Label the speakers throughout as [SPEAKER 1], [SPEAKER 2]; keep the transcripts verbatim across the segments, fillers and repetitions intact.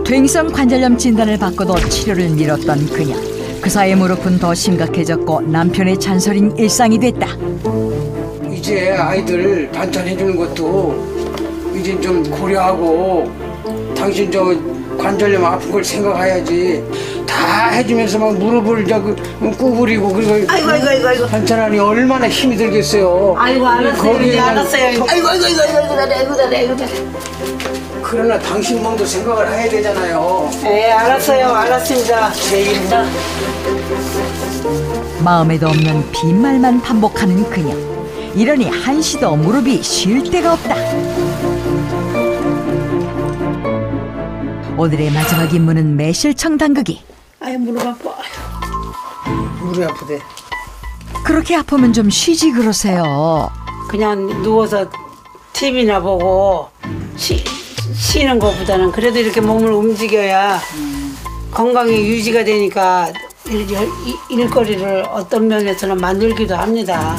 [SPEAKER 1] 퇴행성 관절염 진단을 받고도 치료를 미뤘던 그녀. 그 사이 무릎은 더 심각해졌고 남편의 잔소리는 일상이 됐다.
[SPEAKER 2] 이제 아이들 반찬 해주는 것도 이제 좀 고려하고 당신 저 관절염 아픈 걸 생각해야지. 다 해주면서 막 무릎을 저기 구부리고 그리고
[SPEAKER 3] 아이고 아이고 아이고 아이고
[SPEAKER 2] 반찬하니 얼마나 힘이 들겠어요.
[SPEAKER 3] 아이고 알았어요 이제 알았어요. 아이고 아이고 아이고 아이고 잘해 아이고 잘해 아이고 잘해.
[SPEAKER 2] 그러나 당신 몸도 생각을 해야 되잖아요.
[SPEAKER 3] 네 알았어요 알았습니다. 내일입니다.
[SPEAKER 1] 마음에도 없는 빈말만 반복하는 그녀. 이러니 한시도 무릎이 쉴 데가 없다. 오늘의 마지막 임무는 매실청 담그기.
[SPEAKER 3] 아이 무릎 아파.
[SPEAKER 2] 무릎이 아프대.
[SPEAKER 1] 그렇게 아프면 좀 쉬지 그러세요.
[SPEAKER 3] 그냥 누워서 티비나 보고 쉬, 쉬는 것보다는 그래도 이렇게 몸을 움직여야 건강이 유지가 되니까 일, 일, 일거리를 어떤 면에서는 만들기도 합니다.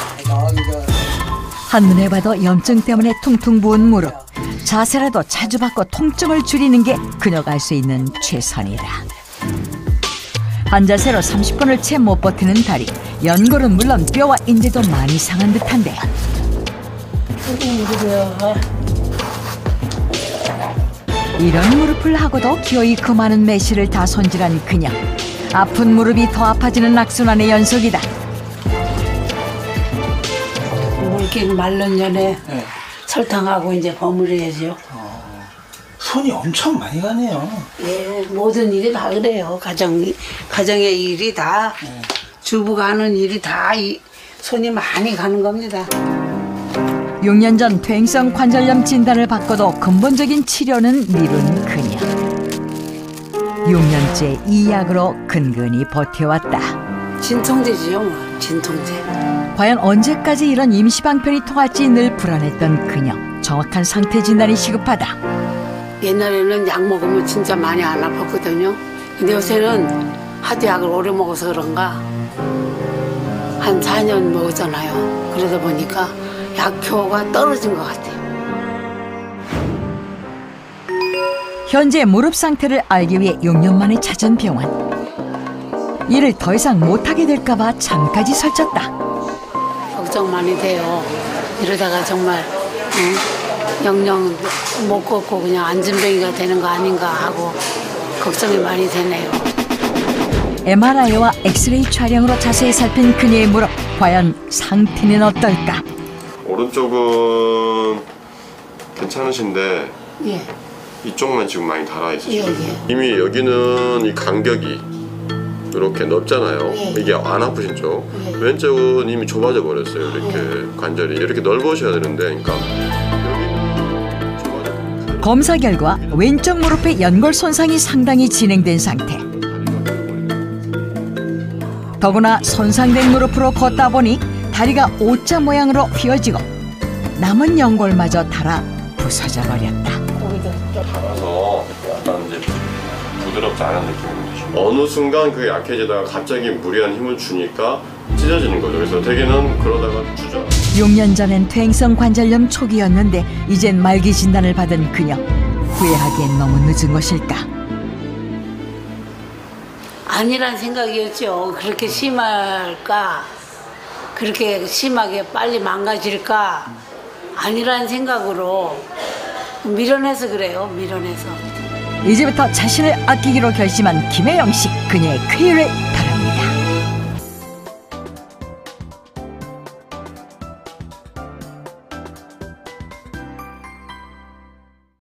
[SPEAKER 1] 한눈에 봐도 염증 때문에 퉁퉁 부은 무릎. 자세라도 자주 바꿔 통증을 줄이는 게 그녀가 할 수 있는 최선이다. 한 자세로 삼십 분을 채 못 버티는 다리. 연골은 물론 뼈와 인대도 많이 상한 듯한데. 이런 무릎을 하고도 기어이 그 많은 매실을 다 손질한 그녀. 아픈 무릎이 더 아파지는 악순환의 연속이다.
[SPEAKER 3] 이렇게 말른 년에
[SPEAKER 2] 네.
[SPEAKER 3] 설탕하고 이제 버무려야죠.
[SPEAKER 2] 어, 손이 엄청 많이 가네요.
[SPEAKER 3] 예, 모든 일이 다 그래요. 가정, 가정의 일이 다,
[SPEAKER 2] 네.
[SPEAKER 3] 주부가 하는 일이 다 이, 손이 많이 가는 겁니다.
[SPEAKER 1] 육 년 전 퇴행성 관절염 진단을 받고도 근본적인 치료는 미룬 그녀. 육 년째 이 약으로 근근히 버텨왔다.
[SPEAKER 3] 진통제지요, 뭐. 진통제.
[SPEAKER 1] 과연 언제까지 이런 임시방편이 통할지 늘 불안했던 그녀. 정확한 상태 진단이 시급하다.
[SPEAKER 3] 옛날에는 약 먹으면 진짜 많이 안 아팠거든요. 근데 요새는 하도 약을 오래 먹어서 그런가 한 사 년 먹었잖아요. 그러다 보니까 약효가 떨어진 것 같아요.
[SPEAKER 1] 현재 무릎 상태를 알기 위해 육 년 만에 찾은 병원. 일을 더 이상 못하게 될까 봐 잠까지 설쳤다.
[SPEAKER 3] 걱정 많이 돼요. 이러다가 정말 응? 영영 못 걷고 그냥 안진뱅이가 되는 거 아닌가 하고 걱정이 많이 되네요.
[SPEAKER 1] 엠알아이와 엑스레이 촬영으로 자세히 살핀 그녀의 무릎. 과연 상태는 어떨까?
[SPEAKER 4] 오른쪽은 괜찮으신데
[SPEAKER 3] 예.
[SPEAKER 4] 이쪽만 지금 많이 달아있으시거든요.
[SPEAKER 3] 예, 예.
[SPEAKER 4] 이미 여기는 이 간격이 이렇게 넓잖아요.
[SPEAKER 3] 예.
[SPEAKER 4] 이게 안 아프신 쪽.
[SPEAKER 3] 예.
[SPEAKER 4] 왼쪽은 이미 좁아져 버렸어요. 이렇게 예. 관절이 이렇게 넓으셔야 되는데, 그러니까 여기는 좁아져.
[SPEAKER 1] 검사 결과 왼쪽 무릎의 연골 손상이 상당히 진행된 상태. 더구나 손상된 무릎으로 걷다 보니 다리가 오자 모양으로 휘어지고 남은 연골마저 닳아 부서져 버렸다.
[SPEAKER 4] 달아서 약간 이제 부드럽지 않은 느낌이 드시죠. 어느 순간 그게 약해지다가 갑자기 무리한 힘을 주니까 찢어지는 거죠. 그래서 대개는 그러다가 주저.
[SPEAKER 1] 육 년 전엔 퇴행성 관절염 초기였는데 이젠 말기 진단을 받은 그녀. 후회하기엔 너무 늦은 것일까?
[SPEAKER 3] 아니란 생각이었죠. 그렇게 심할까? 그렇게 심하게 빨리 망가질까? 아니란 생각으로 밀어내서 그래요. 밀어내서.
[SPEAKER 1] 이제부터 자신을 아끼기로 결심한 김혜영 씨. 그녀의 쾌유를 바라.